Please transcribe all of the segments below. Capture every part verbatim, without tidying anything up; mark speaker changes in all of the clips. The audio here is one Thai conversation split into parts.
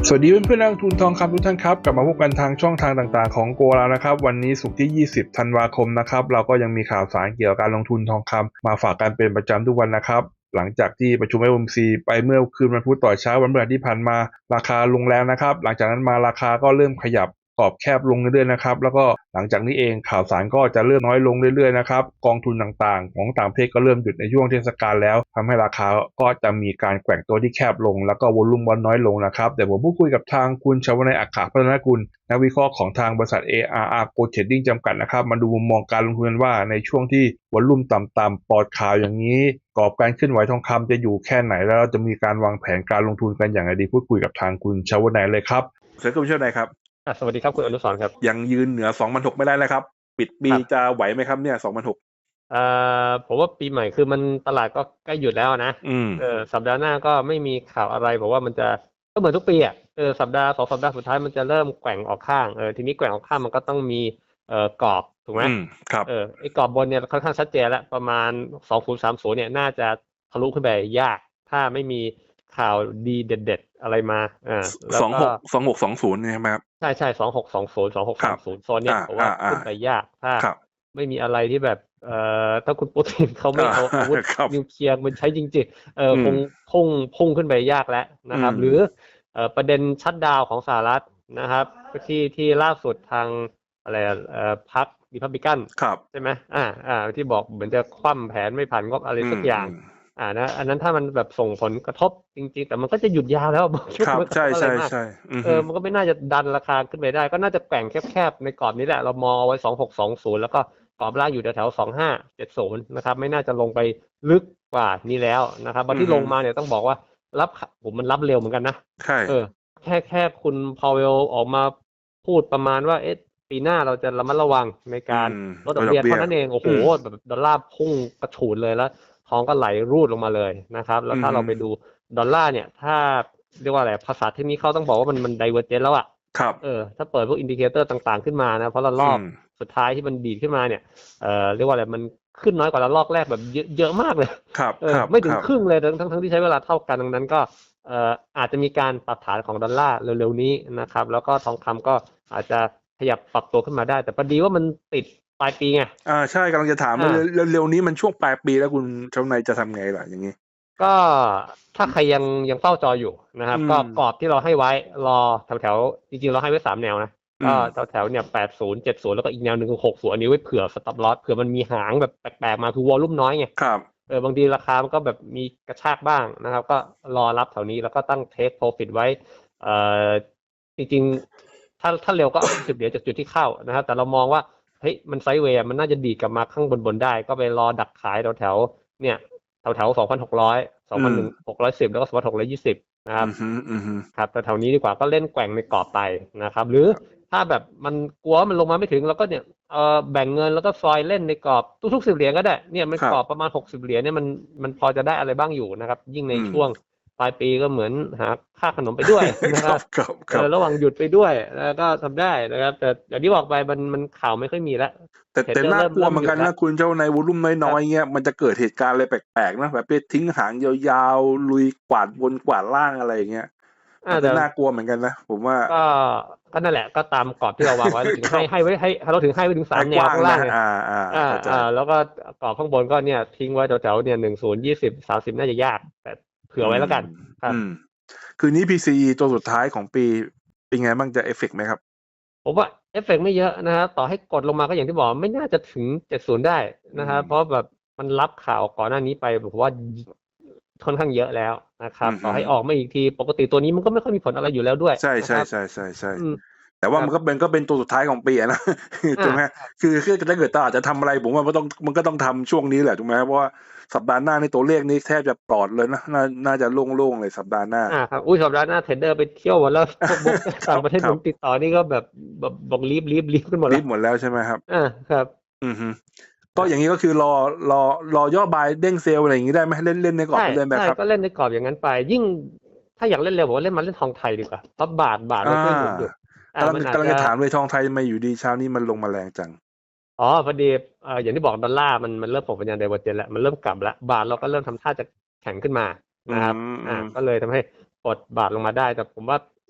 Speaker 1: สวัสดีเพื่อนๆนักลงทุนทองคำทุกท่านครับกลับมาพบกันทางช่องทางต่างๆของโกแล้วนะครับวันนี้ศุกร์ที่ยี่สิบธันวาคมนะครับเราก็ยังมีข่าวสารเกี่ยวกับการลงทุนทองคำมาฝากกันเป็นประจำทุกวันนะครับหลังจากที่ประชุม เอฟ โอ เอ็ม ซี ไปเมื่อคืนวันพุธต่อเช้าวันพฤหัสที่ผ่านมาราคาลงแล้วนะครับหลังจากนั้นมาราคาก็เริ่มขยับกรอบแคบลงเรื่อยๆนะครับแล้วก็หลังจากนี้เองข่าวสารก็จะเริ่มน้อยลงเรื่อยๆนะครับกองทุนต่างๆของต่างประเทศก็เริ่มหยุดในช่วงเทศกาลแล้วทำให้ราคาก็จะมีการแกว่งตัวที่แคบลงแล้วก็วอลุ่มบอลน้อยลงนะครับเดี๋ยวผมพูดคุยกับทางคุณชวนัยอัคคพัฒนกุลนักวิเคราะห์ของทางบริษัท เอ อาร์ อาร์ Gold Trading จำกัดนะครับมาดูมุมมองการลงทุนว่าในช่วงที่วอลุ่มต่ำๆปลอดข่าวอย่างนี้กรอบการเคลื่อนไหวทองคำจะอยู่แค่ไหนแล้วเราจะมีการวางแผนการลงทุนกันอย่างไรดีพูดคุยกับทางคุณชวนัยเลยครับเชิญคุณชวนัยครับ
Speaker 2: สวัสดีครับคุณอนุสรณ์ครับ
Speaker 1: ยังยืนเหนือ สองพันหกร้อย ไม่ได้แล้วครับปิดปีจะไหวไหมครับเนี่ย สองพันหกร้อย
Speaker 2: เอ่อผมว่าปีใหม่คือมันตลาดก็ใกล้หยุดแล้วนะเออสัปดาห์หน้าก็ไม่มีข่าวอะไรผมว่ามันจะก็เหมือนทุกปีอ่ะเออสัปดาห์สองสัปดาห์สุดท้ายมันจะเริ่มแกว่งออกข้างเออทีนี้แกว่งออกข้างมันก็ต้องมีเอ่อกรอบถูกไหม
Speaker 1: ครับ
Speaker 2: เออไอ้กรอบบนเนี่ยค่อนข้างชัดเจนแล้วประมาณสองพันสามสิบเนี่ยน่าจะทะลุขึ้นไปยากถ้าไม่มีข่าวดีเด็ดๆอะไรมาอ่า
Speaker 1: สองหกสองหกสองศูนย์ใช่ไหมครับ
Speaker 2: ใช่ใช่สองหกสองศูนย์สองหกสามศูนย์โซนเนี่ยผมว่าขึ้นไปยากถ้าไม่มีอะไรที่แบบเอ่อถ้าคุณปูตินเขาไม่เอาอาวุธนิวเคลียร์มันใช้จริงๆเออคงพุ่งพุ่งขึ้นไปยากแล้วนะครับหรือเอ่อประเด็นชัตดาวน์ของสหรัฐนะครับที่ที่ล่าสุดทางอะไรเอ่อพรรครีพับลิกันใช่ไหมอ่าอ่าที่บอกเหมือนจะคว่ำแผนไม่ผ่านงบอะไรสักอย่างอ่านะอันนั้นถ้ามันแบบส่งผลกระทบจริงๆแต่มันก็จะหยุดยาวแล้วบางช่วงมันก็อะไรมากเออมันก็ไม่น่าจะดันราคาขึ้นไปได้ก็น่าจะแกว่งแคบๆในกรอบนี้แหละเรามองเอาไว้สองหกสองศูนย์แล้วก็กรอบล่างอยู่แถวๆสองห้าเจ็ดศูนย์นะครับไม่น่าจะลงไปลึกกว่านี้แล้วนะครับบางที่ลงมาเนี่ยต้องบอกว่ารับผมมันรับเร็วเหมือนกันนะ
Speaker 1: ใช่
Speaker 2: เออแค่แค่คุณพาวเวลออกมาพูดประมาณว่าเอ๊ะปีหน้าเราจะระมัดระวังในการลดดอกเบี้ยเท่านั้นเองโอ้โหแบบดอลลาร์พุ่งกระฉูดเลยแล้วทองก็ไหลรูดลงมาเลยนะครับแล้วถ้าเราไปดูดอลลาร์เนี่ยถ้าเรียกว่าอะไรภาษาเทคนิคเขาต้องบอกว่ามันมันไดเวอร์เจนแล้วอ่ะ
Speaker 1: ครับ
Speaker 2: เออถ้าเปิดพวกอินดิเคเตอร์ต่างๆขึ้นมานะเพราะละรอบสุดท้ายที่มันดีดขึ้นมาเนี่ยเอ่อเรียกว่าอะไรมันขึ้นน้อยกว่าละลอกแรกแบบเยอะเยอะมากเลย
Speaker 1: ครับ
Speaker 2: เออไม่ถึงครึ่งเลยทั้งทั้งที่ใช้เวลาเท่ากันดังนั้นก็เอ่ออาจจะมีการปรับฐานของดอลลาร์เร็วๆนี้นะครับแล้วก็ทองคำก็อาจจะขยับปรับตัวขึ้นมาได้แต่พอดีว่ามันติดปลายปีไง
Speaker 1: อ่าใช่กำลังจะถามว่าเร็วๆนี้มันช่วงปลายปีแล้วคุณชวนายจะทำไงล่ะอย่างนี้
Speaker 2: ก็ถ้าใครยังยังเฝ้าจออยู่นะครับก็กรอบที่เราให้ไว้รอแถวๆจริงๆเราให้ไว้สามแนวนะก็แถวๆเนี่ยแปดศูนย์ เจ็ดศูนย์แล้วก็อีกแนวหนึ่งคือหกศูนย์อันนี้ไว้เผื่อสต็อปลอสเผื่อมันมีหางแบบแปลกๆมาคือวอลลุ่มน้อยไง
Speaker 1: ครับ
Speaker 2: เออบางทีราคามันก็แบบมีกระชากบ้างนะครับก็รอรับแถวนี้แล้วก็ตั้งเทคโปรฟิตไว้เอ่อจริงๆถ้าถ้าเร็วก็เอาสิบเหรียญจากจุดที่เข้านะครับแต่เรามองว่าเฮ้ยมันไซด์เวย์มันน่าจะดีดกลับมาข้างบนๆได้ก็ไปรอดักขายแถวๆเนี่ยแถวๆสองพันหกร้อยสองพันหนึ่งหกร้อยสิบแล้วก็สองพันหกร้อยยี่สิบนะครับครับแต่แถวนี้ดีกว่าก็เล่นแกว่งในกรอบไปนะครับหรือถ้าแบบมันกลัวมันลงมาไม่ถึงแล้วก็เนี่ยเอ่อแบ่งเงินแล้วก็ซอยเล่นในกรอบทุกๆสิบเหรียญก็ได้เนี่ยมันกรอบประมาณหกสิบเหรียญเนี่ยมันมันพอจะได้อะไรบ้างอยู่นะครับยิ่งในช่วงปลายปีก็เหมือนหาค่าขนมไปด้วยนะครับเออระหว่างหยุดไปด้วยแล้วก็ทำได้นะครับแต่อย่างที่บอกไปมันมันข่าวไม่ค่อยมีแล้ว
Speaker 1: แต่แต่น่ากลัวเหมือนกันนะคุณเจ้าในวอลุ่มน้อยๆเงี้ยมันจะเกิดเหตุการณ์อะไรแปลกๆนะแบบไปทิ้งหางยาวๆลุยกวาดบนกวาดล่างอะไรอย่างเงี้ยจะน่ากลัวเหมือนกันนะผมว่า
Speaker 2: ก็ก็นั่นแหละก็ตามกรอบที่เราวางไว้ถึงให้ให้ไว้ให้เราถึงให้ไว้ถึงสามแนวข้างล่างเลย
Speaker 1: อ่าอ่า
Speaker 2: อ่าแล้วก็กรอบข้างบนก็เนี่ยทิ้งไว้แถวๆเนี่ยหนึ่งศูนย์ยี่สิบสามสิบน่าจะยากแต่เผื่อไว้แล้วกันครับ
Speaker 1: คืนนี้ พี ซี อี ตัวสุดท้ายของปีเป็นไงบ้างจะเอฟเฟกต์ไหมครับ
Speaker 2: ผมว่าเอฟเฟกต์ไม่เยอะนะครับต่อให้กดลงมาก็อย่างที่บอกไม่น่าจะถึงเจ็ดสิบได้นะครับเพราะแบบมันรับข่าวก่อนหน้านี้ไปผมว่าค่อนข้างเยอะแล้วนะครับต่อให้ออกมาอีกทีปกติตัวนี้มันก็ไม่ค่อยมีผลอะไรอยู่แล้วด้วย
Speaker 1: ใช่ใช่ใช่ใช่ใช่แต่ว่ามันก็เป็นก็เป็นตัวสุดท้ายของปีนะถูกไหมคือคือถ้าเกิดตลาดจะทำอะไรผมว่ามันต้องมันก็ต้องทำช่วงนี้แหละถูกไหมเพราะว่าสัปดาห์หน้าในตัวเลขนี้แทบจะปลอดเลยนะน่าน่าจะโล่งๆเลยสัปดาห์หน้า
Speaker 2: อ่าครับอุ้ยสัปดาห์หน้าเทรดเดอร์ไปเที่ยวหมดแล้วพวกบุ๊กต่างประเทศผมติดต่อนี่ก็แบบแบบบอกรีบรีบรีบกันหมดแล้ว
Speaker 1: รีบหมดแล้วใช่ไหมครับ
Speaker 2: อ่าครับ
Speaker 1: อือฮึก็อย่างนี้ก็คือรอรอรอย่อบายเด้งเซลอะไรอย่างนี้ได้ไหมเล่นเล่นในกรอบไปเลยไหมครับ
Speaker 2: ก็เล่นในกรอบอย่างนั้นไปยิ่งถ้าอยากเล่นเร็วผมว่าเล่นมาเล่นทองไทยดีกว่าเพราะบาทบาทมันช่วยหนุนอยู่
Speaker 1: กำลังกำลังจะถามเลยทองไทยมาอยู่ดีเช้านี้มันลงมาแรงจัง
Speaker 2: อ๋อพอดีเอ่ออย่างที่บอกดอลลาร์มันมันเริ่มส่งสัญญาณไดเวอร์เจนแล้วมันเริ่มกลับแล้วบาทเราก็เริ่มทำท่าจะแข็งขึ้นมานะครับอ่าก็เลยทำให้กดบาทลงมาได้แต่ผมว่า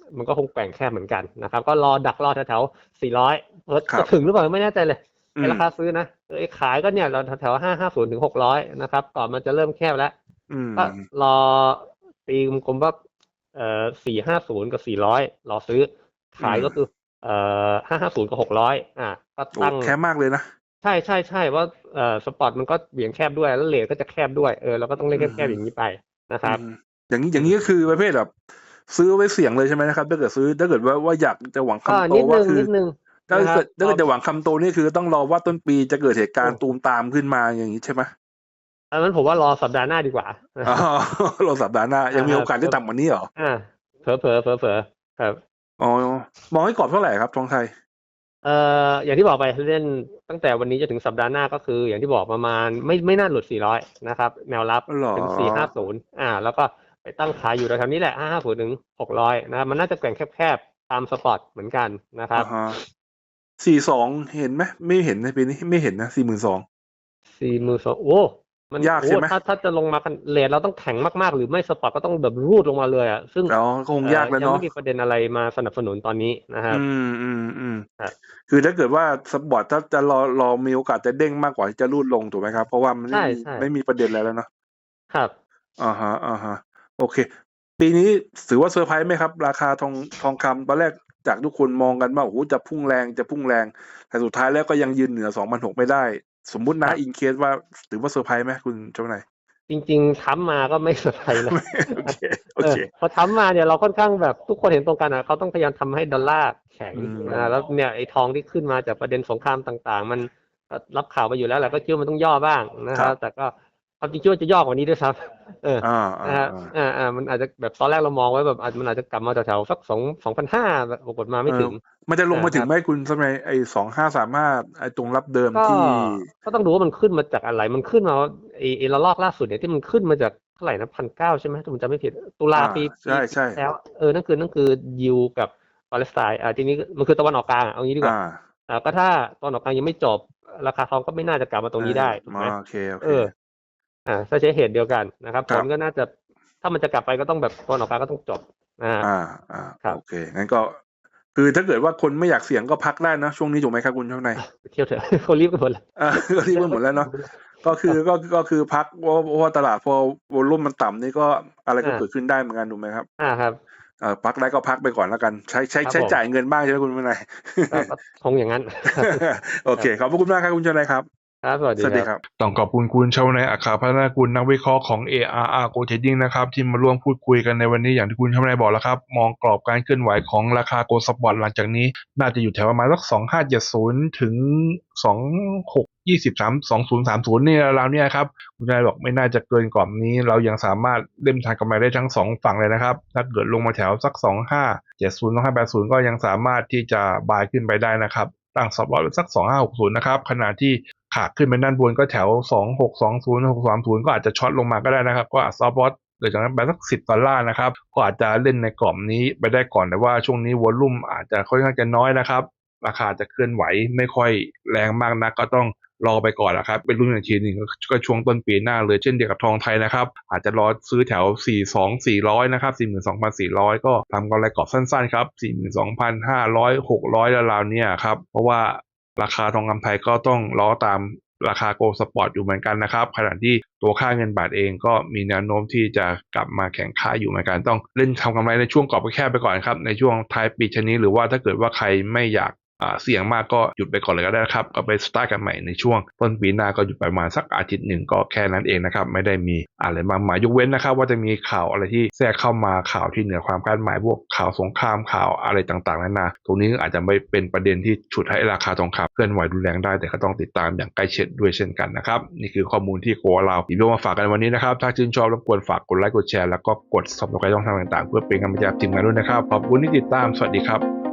Speaker 2: มันก็คงแกว่งแคบเหมือนกันนะครับก็รอดักรอแถวๆสี่ร้อยเออจะถึงหรือเปล่าไม่แน่ใจเลยไอ้ราคาซื้อนะไอ้ขายก็เนี่ยเราแถวๆห้าห้าศูนย์ถึงหกร้อยนะครับก่อนมันจะเริ่มแคบแล้วก็รอตีกลมๆว่าเอ่อสี่ห้าศูนย์กับสี่ร้อยรอซื้อขายก็คือเอ่อห้าห้าศูนย์กับหกร้อยอ่ะก็ตั้ง
Speaker 3: แคบมากเลยนะ
Speaker 2: ใช่ใช่ใช่ว่าเอ่อสปอร์ตมันก็เบี่ยงแคบด้วยแล้วเลทก็จะแคบด้วยเออเราก็ต้องเล่นแคบๆอย่างนี้ไปนะครับ
Speaker 3: อย่างนี้อย่างนี้ก็คือประเภทแบบซื้อไว้เสี่ยงเลยใช่ไหมนะครับถ้าเกิดซื้อถ้าเกิดว่าว่าอยากจะหวังคำโตว่าคือถ้าเกิดถ้าเกิดจะหวังคำโตนี่คือต้องรอว่าต้นปีจะเกิดเหตุการณ์ตูมตามขึ้นมาอย่างนี้ใช่ไหม
Speaker 2: อันนั้นผมว่ารอสัปดาห์หน้าดีกว่า
Speaker 3: อ๋อรอสัปดาห์หน้ายังมีโอกาสได้ต่ำกว่านี้เหรอ
Speaker 2: อ่าเผลอเผลอเผลอเผลอครับ
Speaker 3: อ๋อมองให้กรอบเท่าไหร่ครับทองไทย
Speaker 2: เอ่ออย่างที่บอกไปเล่นตั้งแต่วันนี้จะถึงสัปดาห์หน้าก็คืออย่างที่บอกประมาณไม่ไม่น่าหลุดสี่ร้อยนะครับแนวรับถึงสี่ห้าศูนย์อ่าแล้วก็ไปตั้งขายอยู่แถวๆนี้แหละห้าห้าศูนย์ถึงหกร้อยนะครับมันน่าจะแกว่งแคบๆตามสปอร์ตเหมือนกันนะครับ
Speaker 3: สี่สองเห็นไหมไม่เห็นในปีนี้ไม่เห็นนะสี่หมื่นสอง
Speaker 2: สี่หมื่นสองโอ้มัน
Speaker 3: ยากใช่ไหม
Speaker 2: ถ้าถ้าจะลงมาเลทเราต้องแข็งมากๆหรือไม่สปอร์ตก็ต้องแบบรูดลงมาเลยอ่ะซึ่ง
Speaker 3: เราคงยากแล้วเนาะ
Speaker 2: ยังไม่มีประเด็นอะไรมาสนับสนุนตอนนี้นะครับ
Speaker 3: อืมอืมอืมคือถ้าเกิดว่าสปอร์ตถ้าจะรอรอมีโอกาสจะเด้งมากกว่าจะรูดลงถูกไหมครับเพราะว่ามันไม่มีไม่มีประเด็นอะไรแล้วเนาะ
Speaker 2: ครับ
Speaker 3: อ่าฮะอ่าฮะโอเคปีนี้ถือว่าเซอร์ไพรส์ไหมครับราคาทองทองคำตอนแรกจากทุกคนมองกันว่าโอ้โหจะพุ่งแรงจะพุ่งแรงแต่สุดท้ายแล้วก็ยังยืนเหนือสองพันหกไม่ได้สมมุตินะอินเคสว่าถือว่าเซอร์ไพรส์ไหมคุณเจ้านาย
Speaker 2: จริงๆทำมาก็ไม่เซอร์ไพรส์นะ
Speaker 3: โอเคโอเค
Speaker 2: พอทำมาเนี่ยเราค่อนข้างแบบทุกคนเห็นตรงกันอ่ะเขาต้องพยายามทำให้ดอลลาร์แข็งอ่าแล้วเนี่ยไอ้ทองที่ขึ้นมาจากประเด็นสงครามต่างๆมันรับข่าวไปอยู่แล้วแหละก็คิดว่ามันต้องย่อบ้างนะครับแต่ก็ความจริงคิดว่าจะย่อกว่านี้ด้วยซ้ำเอออ่าอ่าอ่ามันอาจจะแบบตอนแรกเรามองไว้แบบอาจมันอาจจะกลับมาแถวๆสักสองสองพันห้าปรากฏมาไม่ถึง
Speaker 3: มันจะลงมาถึงไหมคุณสมัยไอ้สองห้าสามห้าไอ้ตรงรับเดิมที่
Speaker 2: ก็ต้องดูว่ามันขึ้นมาจากอะไรมันขึ้นมาไอ้ไอ้ระลอกล่าสุดเนี่ยที่มันขึ้นมาจากเท่าไหร่นะพันเก้าใช่ไหมถ้าผมจำไม่ผิดตุลาปี
Speaker 3: ใช่ใช่
Speaker 2: แล้วเออนั่นคือนั่นคือยิวกับปาเลสไตน์อ่าทีนี้มันคือตะวันออกกลางเอางี้ดีกว่าอ่าก็ถ้าตะวันออกกลางยังไม่จบราคาทองก็ไม่น่าจะกลับมาตรงนี้ได้ถูกไหม
Speaker 3: โอเคโอเค
Speaker 2: เอออ่าถ้าใช้เหตุเดียวกันนะครับผลก็น่าจะถ้ามันจะกลับไปก็ต้องแบบตะวันออกกลางก็ต้องจบอ่า
Speaker 3: อ่าอ่าโอเคงั้นก็คือถ้าเกิดว่าคนไม่อยากเสี่ยงก็พักได้นะช่วงนี้ถูกไหมครับคุณเจ้านาย
Speaker 2: เที่ยวเถอะเขารีบกันหมดแล้ว
Speaker 3: อ่าก็รีบกันหมดแล้วเนาะก็คือก็ก็คือพักเพราะว่าตลาดพอวอลุ่มมันต่ำนี่ก็อะไรก็เกิดขึ้นได้เหมือนกันถูกไหมครับ
Speaker 2: อ่าครับ
Speaker 3: เอ่อพักได้ก็พักไปก่อนแล้วกันใช้ใช้ใช้จ่ายเงินบ้างใช่ไหมคุณเจ้านาย
Speaker 2: คงอย่างนั้น
Speaker 3: โอเคขอบคุณมากครับคุณเจ้านายครับ
Speaker 2: ครับสวัสดีครับ
Speaker 1: ต้องขอบคุณคุณชวนายอัครพัฒนากุลนักวิเคราะห์ของ เอ อาร์ อาร์ Go Trading นะครับที่มาร่วมพูดคุยกันในวันนี้อย่างที่คุณชวนายบอกแล้วครับมองกรอบการเคลื่อนไหวของราคา Gold Spot หลังจากนี้น่าจะอยู่แถวประมาณสักสองพันห้าร้อยเจ็ดสิบถึงสองพันหกร้อยยี่สิบสาม สองพันสามสิบนี่ราวๆนี้ครับคุณชวนายบอกไม่น่าจะเกินกรอบนี้เรายังสามารถเล่นทางกำไรได้ทั้งสองฝั่งเลยนะครับถ้าเกิดลงมาแถวสักสองพันห้าร้อยเจ็ดสิบ สองพันห้าร้อยแปดสิบก็ยังสามารถที่จะบายขึ้นไปได้นะครับตั้ง stop loss สักสองพันห้าร้อยหกสิบนะครับขณะที่ขาขึ้นไปด้านบนก็แถวสองพันหกร้อยยี่สิบ หกพันหกร้อยสามสิบก็อาจจะช็อตลงมาก็ได้นะครับก็อาจ stop loss โดยจากนั้นไปสักสิบดอลลาร์นะครับก็อาจจะเล่นในกรอบนี้ไปได้ก่อนแต่ว่าช่วงนี้วอลลุ่มอาจจะค่อนข้างจะน้อยนะครับราคาจะเคลื่อนไหวไม่ค่อยแรงมากนักก็ต้องรอไปก่อนนะครับเป็นรุ่นอีกทีหนึ่งก็ช่วงต้นปีหน้าเลยเช่นเดียวกับทองไทยนะครับอาจจะรอซื้อแถวสี่สิบสอง สี่ร้อยนะครับ สี่หมื่นสองพันสี่ร้อย ก็ทำกำไรกรอบสั้นๆครับ สี่หมื่นสองพันห้าร้อย หกร้อยราวๆเนี่ยครับเพราะว่าราคาทองคำไทยก็ต้องล้อตามราคาโกลด์สปอร์ตอยู่เหมือนกันนะครับขณะที่ตัวค่าเงินบาทเองก็มีแนวโน้มที่จะกลับมาแข็งค่าอยู่เหมือนกันต้องเล่นทำกำไรในช่วงกรอบแคบไปก่อนครับในช่วงท้ายปีชนี้หรือว่าถ้าเกิดว่าใครไม่อยากเสี่ยงมากก็หยุดไปก่อนเลยก็ได้ครับก็ไปสตาร์ทกันใหม่ในช่วงต้นปีหน้าก็หยุดไปประมาณสักอาทิตย์หนึ่งก็แค่นั้นเองนะครับไม่ได้มีอะไรมากมายยกเว้นนะครับว่าจะมีข่าวอะไรที่แทรกเข้ามาข่าวที่เหนือความคาดหมายพวกข่าวสงครามข่าวอะไรต่างๆนานาตรงนี้อาจจะไม่เป็นประเด็นที่ฉุดให้ราคาทองคำเคลื่อนไหวรุนแรงได้แต่ก็ต้องติดตามอย่างใกล้ชิดด้วยเช่นกันนะครับนี่คือข้อมูลที่โกเราหยิบมาฝากกันวันนี้นะครับถ้าชื่นชอบรบกวนฝากกดไลค์กดแชร์แล้วก็กด ซับสไครบ์ ช่องทางต่างๆเพื่อเป็นกำลังใจทีมงานด้วยนะครับขอบคุณที่ติดตามสวัสดีครับ